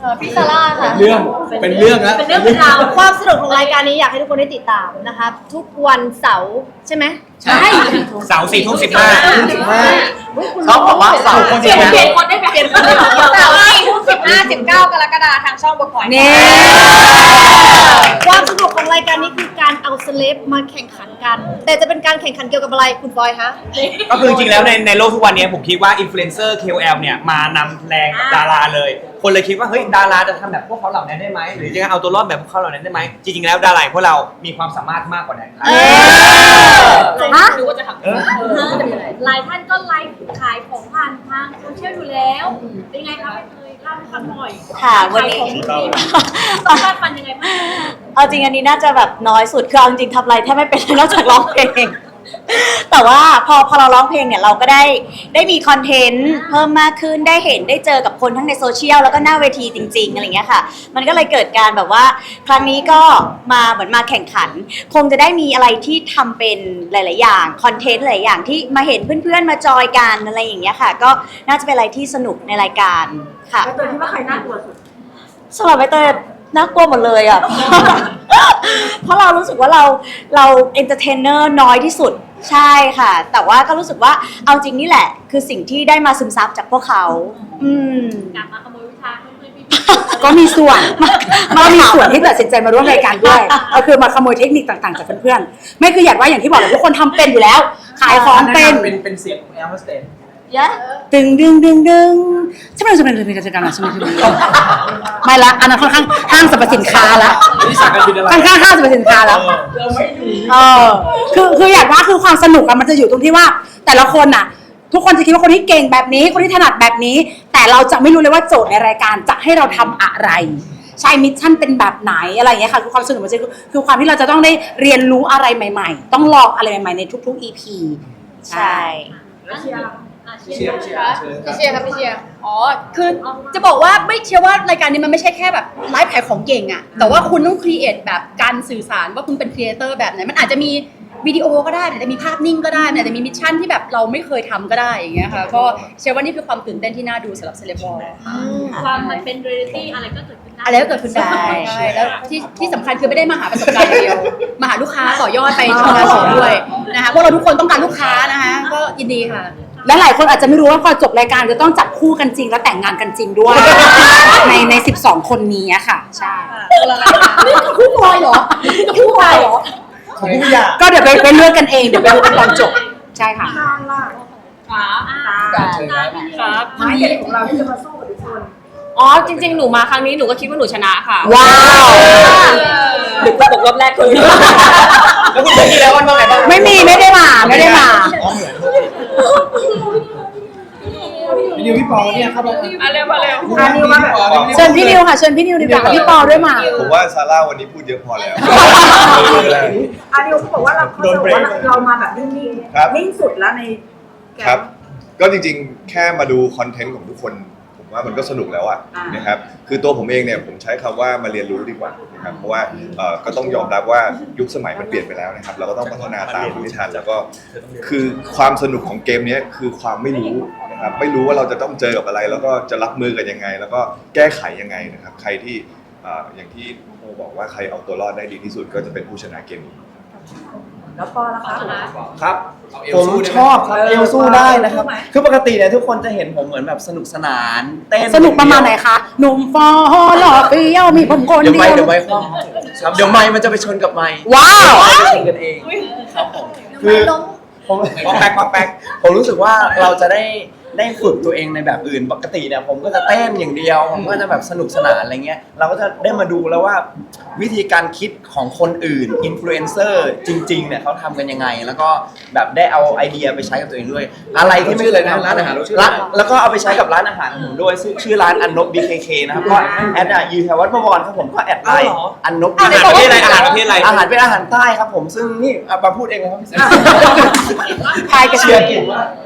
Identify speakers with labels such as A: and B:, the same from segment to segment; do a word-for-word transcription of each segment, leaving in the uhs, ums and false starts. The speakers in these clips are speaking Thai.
A: พี่ซาร่าค่ะ
B: เรื่องเป็นเรื่องแล้ว
A: เป็นเรื่องเป็นราวความสนุกของรายการนี้อยากให้ทุกคนได้ติดตามนะคะทุกวันเสาร์ใช่ไหมใช่
C: เสาร์สี่ทุ่มสิบห้า
D: เขาบอกว่าเสาร์
A: เปลี่ยนเปลี่ยนคนได้เปลี่ยนคนได้เสาร์สี่ทุ่มสิบห้าสิบเก้ากรกฎาคมทางช่องบกพอยนี่ความสนุกของรายการนี้คือการเอาเซเลบมาแข่งขันกันแต่จะเป็นการแข่งขันเกี่ยวกับอะไรคุณบอยคะ
C: ก็คือจริงๆแล้วในในโลกทุกวันนี้ผมคิดว่าอินฟลูเอนเซอร์ เค โอ แอล เนี่ยมานำแรงกับดาราเลยคนเลยคิดว่าเฮ้ยดาราจะทำแบบพวกเขาเหล่านั้นได้ไหมหรือจะเอาตัวรอดแบบพวกเขาเหล่านั้นได้ไหมจริงๆแล้วดาราพวกเรามีความสามารถมากกว่านั้นครับ
A: ดูว่าจะทำหลายท่านก็ไลฟ์ขายของผ่านทางโซเชียลอยู่แล้วเป็นไงคะไม่เคยเล่าให้ฟังหน่อย
E: ค่ะวันนี้
A: ต้องการฟันยังไงบ้าง
E: เอาจริงอันนี้น่าจะแบบน้อยสุดคือเอาจริงทำอะไรแทบไม่เป็นนอกจากร้องเพลงแต่ว่าพอพอเราร้องเพลงเนี่ยเราก็ได้ได้มีคอนเทนต์เพิ่มมากขึ้นได้เห็นได้เจอกับคนทั้งในโซเชียลแล้วก็หน้าเวทีจริงๆอะไรเงี้ยค่ะมันก็เลยเกิดการแบบว่าครั้งนี้ก็มาเหมือนมาแข่งขันคงจะได้มีอะไรที่ทำเป็นหลายๆอย่างคอนเทนต์หลายอย่างที่มาเห็นเพื่อนๆมาจอยกันอะไรอย่างเงี้ยค่ะก็น่าจะเป็นอะไรที่สนุกในรายการค่ะ
A: แล้วตัวที่ว่าใครน่ากลัวสุด
E: สำหรับใบเตยน่ากลัวหมดเลยอ่ะ เพราะเรารู้สึกว่าเราเราเอนเตอร์เทนเนอร์น้อยที่สุดใช่ค่ะแต่ว่าก็รู้สึกว่าเอาจริงนี่แหละคือสิ่งที่ได้มาซึมซับจากพวกเขาอืม
A: อยากมาขโมยวิชาเพื่อนๆพี่
D: ก็มีส่วนก็มีส่วนที่ตัดสินใจมาร่วมรายการด้วยก็คือมาขโมยเทคนิคต่างๆจากเพื่อนๆไม่คืออยากว่าอย่างที่บอกเลยทุกคนทำเป็นอยู่แล้วขายของเป็น
B: เป็นเป็นเสียงของแอลสเตน
D: ดึงดึงดึงดึงใช่ไหมจะเป็นจะเป็นกิจกรรมอะไรใช่ไหมไม่ละอันนั้นค่อนข้างห้างสรรพสินค้าละค่อนข้างห้างสรรพสินค้าแล้วเออคือคืออยากว่าคือความสนุกอะมันจะอยู่ตรงที่ว่าแต่ละคนน่ะทุกคนจะคิดว่าคนที่เก่งแบบนี้คนที่ถนัดแบบนี้แต่เราจะไม่รู้เลยว่าโจทย์ในรายการจะให้เราทำอะไรใช่มิชชั่นเป็นแบบไหนอะไรอย่างเงี้ยค่ะคือความสนุกมันจะคือความที่เราจะต้องได้เรียนรู้อะไรใหม่ๆต้องลองอะไรใหม่ๆในทุกๆ อี พี
E: ใช่
A: เชียร์เชียร์พี่เชียร์ครับพี่เชียร์อ๋อคือจะบอกว่าไม่เชื่อว่ารายการนี้มันไม่ใช่แค่แบบไลฟ์ขายของเก่งอะแต่ว่าคุณต้องครีเอทแบบการสื่อสารว่าคุณเป็นครีเอเตอร์แบบไหนมันอาจจะมีวิดีโอก็ได้อาจจะมีภาพนิ่งก็ได้อาจจะมีมิชชั่นที่แบบเราไม่เคยทำก็ได้อย่างเงี้ยค่ะก็เชื่อว่านี่คือความตื่นเต้นที่น่าดูสำหรับเซเลบอลความมันเป็นเรียลิตี้อะไรก็เกิดขึ้นได้อะไรก็เกิดขึ้นได้ใช่แล้วที่ที่สำคัญคือไม่ได้มาหาประสบการณ์อย่างเดียวมาหาลูกค้าต่อยอดไปทำงานเสริมด้วยนะคะพวกเราทุกคนต้องการลูกค้านะคะก็ยินดีค่ะ
D: และหลายคนอาจจะไม่รู้ว่าพอจบรายการจะต้องจับคู่กันจริงและแต่งงานกันจริงด้วยในในสิบสองคนนี้ค่ะใช่
A: นี่คือคู่บอยเหรอคู่บอยเหรอ
D: ก็เดี๋ยวไปไปเลือกกันเองเดี๋ยวไปดูกันตอนจบใช่ค่ะ
A: ครับ
D: ไม้เด็ดของเราที่จะมาสู้กับทุกคน
F: อ๋อจริงๆหนูมาครั้งนี้หนูก็คิดว่าหนูชนะค่ะ
D: ว้าว
F: หนูตกรอบแรกเลย
C: แล้วคุณเจอที่แล้ววันว่าไงบ้าง
D: ไม่มีไม่ได้มาไม่ได้มา
B: พี่นิวพี่ปอเนี่ยเข้ามา
F: มาเร็วมาเร็ว
D: เชิญพี่นิวค่ะเชิญพี่นิวดีกว่าพี่ปอด้วยมา
G: ผมว่าซาร่าวันนี้พูดเยอะพอแล้ว
H: อานิวเขาบอกว่าเราเขาบอกว่าเรามาแบบนิ่งๆนิ่งสุดแล้วใน
G: ครับก็จริงๆแค่มาดูคอนเทนต์ของทุกคนผมว่ามันก็สนุกแล้วอ่ะนะครับคือตัวผมเองเนี่ยผมใช้คำว่ามาเรียนรู้ดีกว่านะครับเพราะว่าก็ต้องยอมรับว่ายุคสมัยมันเปลี่ยนไปแล้วนะครับเราก็ต้องพัฒนาตามไม่ทันแล้วก็คือความสนุกของเกมนี้คือความไม่รู้นะครับไม่รู้ว่าเราจะต้องเจอกับอะไรแล้วก็จะรับมือกันยังไงแล้วก็แก้ไขยังไงนะครับใครที่อย่างที่โมบอกว่าใครเอาตัวรอดได้ดีที่สุดก็จะเป็นผู้ชนะเกมนี้
H: แล้วปอล่ะคะ
B: ครับผมชอบครับเอลสู้ได้นะครับคือปกติเนี่ยทุกคนจะเห็นผมเหมือนแบบสนุกสนานเต้น
D: สนุกประมาณไหนคะหนุ่มฟอหล่อเปรี้ยวมีผมคนเดียว
B: เดี๋ยวไม่เดี๋ยวไม่ครับเดี๋ยวไม่มันจะไปชนกับไม่
D: ว้าว
B: จะชนกันเองครับผมคือผม
C: ป๊อกแป๊กป๊อกแป๊ก
B: ผมรู้สึกว่าเราจะได้ได้ฝึกตัวเองในแบบอื่นปกติเนี่ยผมก็จะเต้นอย่างเดียวผมก็จะแบบสนุกสนานอะไรเงี้ยเราก็จะได้มาดูแล้วว่าวิธีการคิดของคนอื่นอินฟลูเอนเซอร์จริงๆเนี่ยเขาทำกันยังไงแล้วก็แบบได้เอาไอเดียไปใช้กับตัวเองด้วยอะไรที่ไม่เคยทำร้านอาหารร้านแล้วก็เอาไปใช้กับร้านอาหารของผมด้วยชื่อร้านอันนบ บี เค เค นะครับก็แอดยูแถววัดประวรครับผมก็แอดไลน์อันนบ
C: อาหารประเภทอะไรอาหารประเภทอะไร
B: อาหารเป็นอาหารใต้ครับผมซึ่งนี่มาพูดเองเลยครับ
D: ทายกระเชือก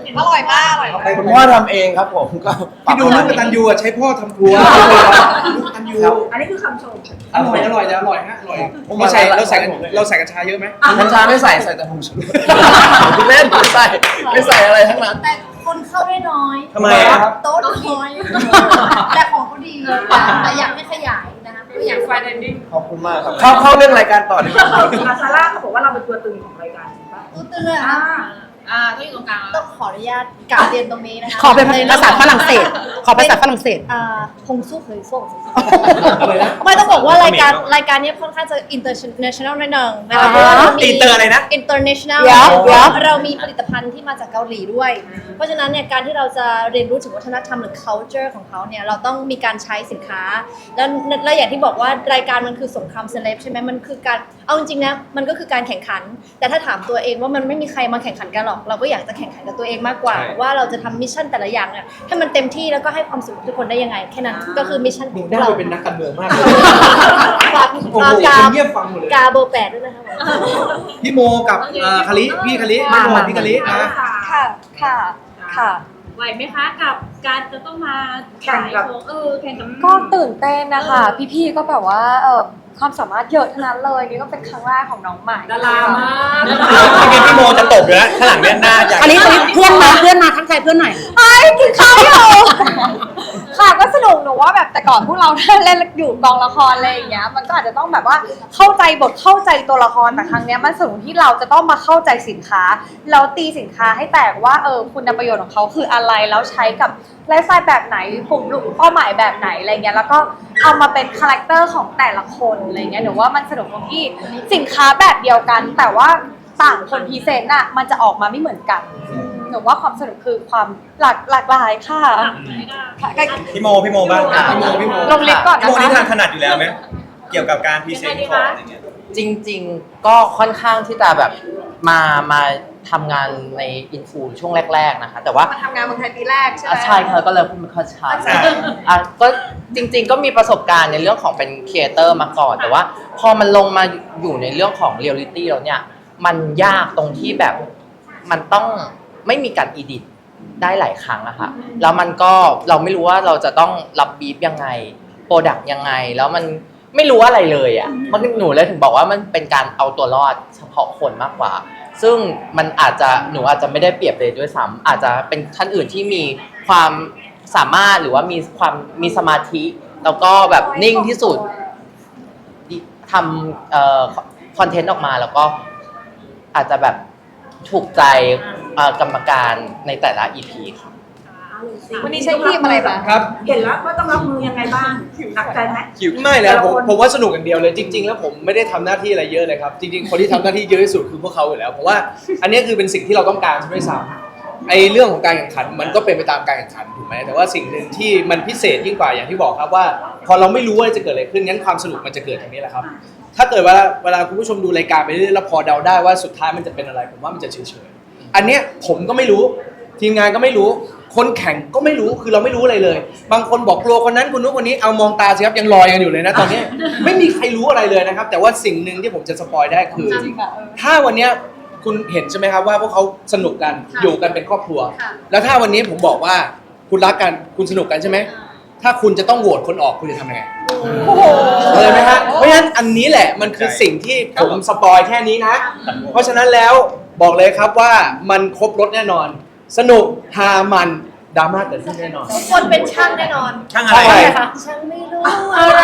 F: อร่อยมากอร่อยมาก
B: คุณพ่อทำเองครับผมก็
I: พี่ดูลูกกตันยูอ่ะใช้พ่อทำครัวลูกกตันยู
H: อันนี้คือคำชม
I: อร่อยอร่อยจะอร่อยฮะอร่อยเราใส่เราใส่เราใส่กัญชาเยอะไหม
B: กัญชาไม่ใส่ใส่แต่ผงชูรสเล่นไม่ใส่ไม่ใส่อะไรทั้งนั้น
A: แต่คนเข้าได้น้อย
C: ทำไมอะครับ
A: โต๊ะน้อย แต่ของเขาดีแต่อยากให้ขยายนะคะก็อยากไฟเดนดิ้ง
B: ขอบคุณมากครับเข้าเข้าเรื่องรายการต่อดีกว่า
H: อาซาร่าเขาบอกว่าเราเป็นตัวตึงของรายการจริงปะ
A: ตู้เตือน
H: อ่า
F: อ่าต้องอยู่ตรงกลาง
A: ต้องขออนุญาตกล่าวเรียนตรงนี้นะคะ
D: ขอเป็นภาษาฝรั่งเศส ขอภาษาฝรั่งเศส
A: อ่าพงสู้เคยส่งไม่ต้องบอกว่ารายการรายการนี้ค่อนข้างจะ international นิดนึงนะคะ
D: อ่า
A: เพราะว่าเรามี
C: อินเตอร์อะไรนะ
A: international
D: เดี๋ยวเดี๋ยว
A: เรามีผลิตภัณฑ์ที่มาจากเกาหลีด้วย เพราะฉะนั้นเนี่ยการที่เราจะเรียนรู้ถึงวัฒนธรรมหรือ culture ของเขาเนี่ยเราต้องมีการใช้สินค้า แล้วแล้วอย่างที่บอกว่ารายการมันคือสงครามเซเลบใช่ไหมมันคือการเอาจริงๆนะมันก็คือการแข่งขัน แต่ถ้าถามตัวเองว่ามันไม่มีใครมาแข่งขันกันหรอก เราก็อยากจะแข่งขันกับตัวเองมากกว่า ว่าเราจะทำมิชชั่นแต่ละอย่างเนี่ยให้มันเต็มที่แล้วก็ให้ความสุขทุกคนได้ยังไงแค่นั้นก็คือมิชชั่นของ
I: น่า
A: เรา
I: จะเป็นนักการเมืองมากเลย
A: ฝาก
I: โอ้โห
A: ฝากกา
I: เงียบฟังหมดเลย
A: กาเบอร์แปดด้วยนะคะ
I: พี่โมกับเอ่อคาริพี่คาริพี่โมพี่คารินะ
E: ค่ะ ค่ะ ค่ะ
F: ไหวไหมคะกับการจะต้องมา
H: แข่งกับ
F: ขายของเออแข่งกับ
J: ก็ตื่นเต้นนะคะ พี่ๆก็แบบว่าเออความสามารถเยอะทั้งนั้นเลยนี่ก็เป็นครั้งแรกของน้องใหม่
F: ดารามาก
C: เมื่อกี้พี่โมจะตบอยู่แล้วข้างหลังเนี่ยหน้าใหญ่
D: อันนี้อันนี้เพื่อนมาเพื่อนมาทักทายเพื่อนหน่อย
J: กินข้าวอยู่ค่ะก็สนุกหนูว่าแบบแต่ก่อนพวกเราเล่นอยู่กองละครอะไรอย่างเงี้ยมันก็อาจจะต้องแบบว่าเข้าใจบทเข้าใจตัวละครแต่ครั้งเนี้ยมันสนุกที่เราจะต้องมาเข้าใจสินค้าเราตีสินค้าให้แตกว่าเออคุณประโยชน์ของเขาคืออะไรแล้วใช้กับไลฟ์สไตล์แบบไหนกลุ่มเป้าหมายแบบไหนอะไรเงี้ยแล้วก็เอามาเป็นคาแรคเตอร์ของแต่ละคนอะไรเงี้ยหนูว่ามันสนุกตรงที่สินค้าแบบเดียวกัน แต่ว่าต่างคนพรีเซนต์น่ะมันจะออกมาไม่เหมือนกันหนูว่าความสนุกคือความหลากหลากหลายค่ะค่ะก็
C: พี่โมพี่โมบ้างครับพี่โมพี่โม
J: ลงลิฟต์ก่อน
C: พี่
J: นะ
C: โมนี่
J: คะ
C: ทางถนัดอยู่แล้วไหมเกี่ยวกับการพรีเซนต์ของอะไรเงี้ย
K: จริงๆ ก็ค่อนข้างที่จะแบบมามาทำงานในอินฟูช่วงแรกๆนะคะแต่ว่า
J: มาทำงานเมืองไทยปีแรกใช่ไหม
K: อ่ะใช่ค่ะก็เลยพูดไม่ค่อยชัดอ่ะก็จริงๆ ก็มีประสบการณ์ในเรื่องของเป็นครีเอเตอร์มาก่อน แต่ว่าพอมันลงมาอยู่ในเรื่องของเรียลลิตี้แล้วเนี่ยมันยากตรงที่แบบมันต้องไม่มีการอีดิทได้หลายครั้งอะค่ะแล้วมันก็เราไม่รู้ว่าเราจะต้องรับบีฟยังไงโปรดักต์ยังไงแล้วมันไม่รู้อะไรเลยอ่ะมันหนูเลยถึงบอกว่ามันเป็นการเอาตัวรอดเฉพาะคนมากกว่า ซึ่งมันอาจจะหนูอาจจะไม่ได้เปรียบเลยด้วยซ้ำอาจจะเป็นท่านอื่นที่มีความสามารถหรือว่ามีความมีสมาธิ แล้วก็แบบนิ่งที่สุดทำเอ่อคอนเทนต์ออกมาแล้วก็อาจจะแบบถูกใจเอ่อกรรมการในแต่ละ อี พี ค่ะ
J: วันนี้ใช้ครีมอะไรบ้าง
I: ครับ
H: เห็นแล้วว่าต้องรับมือยังไงบ้างหนักใจไหม
I: ไม่แล้วผมผมว่าสนุกอย่างเดียวเลยจริง ๆ แล้วผมไม่ได้ทำหน้าที่อะไรเยอะเลยครับจริงๆคนที่ทำหน้าที่เยอะที่สุดคือพวกเขาอยู่แล้วเพราะว่าอันนี้คือเป็นสิ่งที่เราต้องการใช่ไหมซ้ำไอ้เรื่องของการแข่งขันมันก็เป็นไปตามการแข่งขันถูกไหมแต่ว่าสิ่งหนึ่งที่มันพิเศษยิ่งกว่าอย่างที่บอกครับว่า พอเราไม่รู้ว่าจะเกิดอะไรขึ้นงั้นความสนุกมันจะเกิดตรงนี้แหละครับถ้าเกิดเวลาเวลาคุณผู้ชมดูรายการไปเรื่อยๆแล้วพอเดาได้ว่าสุดท้ายมันจะเป็นอะไรผมว่ามันจะเฉยๆอันเนี้ยผมก็ไม่รู้ทีมงานก็ไม่รู้คนแข่งก็ไม่รู้คือเราไม่รู้อะไรเลย บางคนบอกกลัวคนนั้นคนนู้นคนนี้เอามองตาสิครับยังลอยกันอยู่เลยนะตอนนี้ ไม่มีใครรู้อะไรเลยนะครับแต่ว่าสิ่งหนึ่งที่ผมจะสปอยได้คือ ถ้าวันเนี้ยคุณเห็นใช่ไหมครับว่าพวกเขาสนุกกันอยู่กันเป็นครอบครัว แล้วถ้าวันนี้ผมบอกว่าคุณรักกันคุณสนุกกันใช่ไหมถ้าคุณจะต้องโหวตคนออกคุณจะทำยังไงเลยไหมฮะเพราะฉะนั้นอันนี้แหละมันคือสิ่งที่ผมสปอยแค่นี้นะ เพราะฉะนั้นแล้วบอกเลยครับว่ามันครบรถแน่นอน สนุกฮามันดราม่าเกิดขึ้นแน่นอน
A: ทุกคนเป็นช่างแน่นอน
C: ช่างอะไร
I: ใช่
A: ช่างไม่รู้อะไร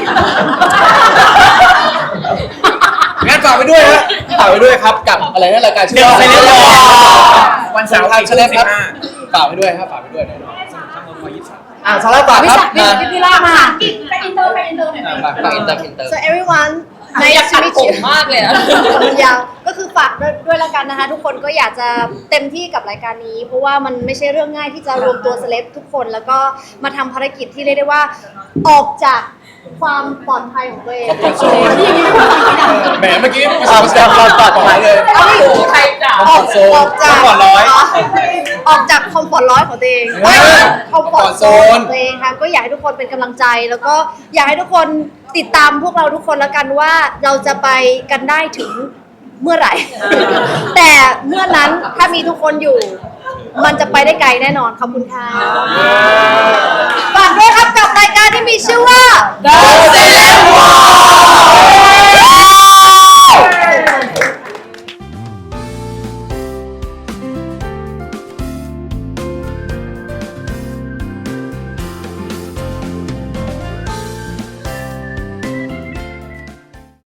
I: งั้นฝากไปด้วยฮะฝากไปด้วยครับกับอะไรนะรายการชื่อว่า
C: เดี๋ยว Celeb Talk วันเสาร์
I: ทาง
C: สี่
I: เชล
C: ทุ่ม
I: ครับ
C: สิบห้า
I: ฝากไปด้วยครับฝากไปด้วยแน่นอนอ่าซาร่าฝากครับ
D: พี่พี่พี่ล่ามา
A: ไปอินเตอร์ไปอินเตอร์หน่อย
I: ฝากฝากอินเตอร์อินเตอร์
A: So everyone
F: ในอยากตัดผมมากเลยอะ
A: ยาวก็คือฝากด้วยด้วยละกันนะคะ ทุกคนก็อยากจะเต็มที่กับรายการนี้ เพราะว่ามันไม่ใช่เรื่องง่ายที่จะรวมตัวเซเลบทุกคนแล้วก็มาทำภารกิจที่เรียกได้ว่าออกจากความปลอดภัยของตัวเอง
I: แหมเมื่อกี้
B: ออกจากความปลอดภัยเลย
A: เอาไม่อยู่
F: ใครจะ
A: ออกออกจาก
C: คอมฟอร์ตร้อย
A: ออกจากคอมฟอร์ตร้อยของตัวเองคอมฟอร์ตโซนของตัวเองค่ะก็อยากให้ทุกคนเป็นกำลังใจ แล้วก็อยากให้ทุกคนติดตามพวกเราทุกคนแล้วกันว่าเราจะไปกันได้ถึงเมื่อไหร่ แต่เมื่อนั้นถ้ามีทุกคนอยู่
J: มันจะไปได้ไกลแน่นอนขอบคุณค่ะ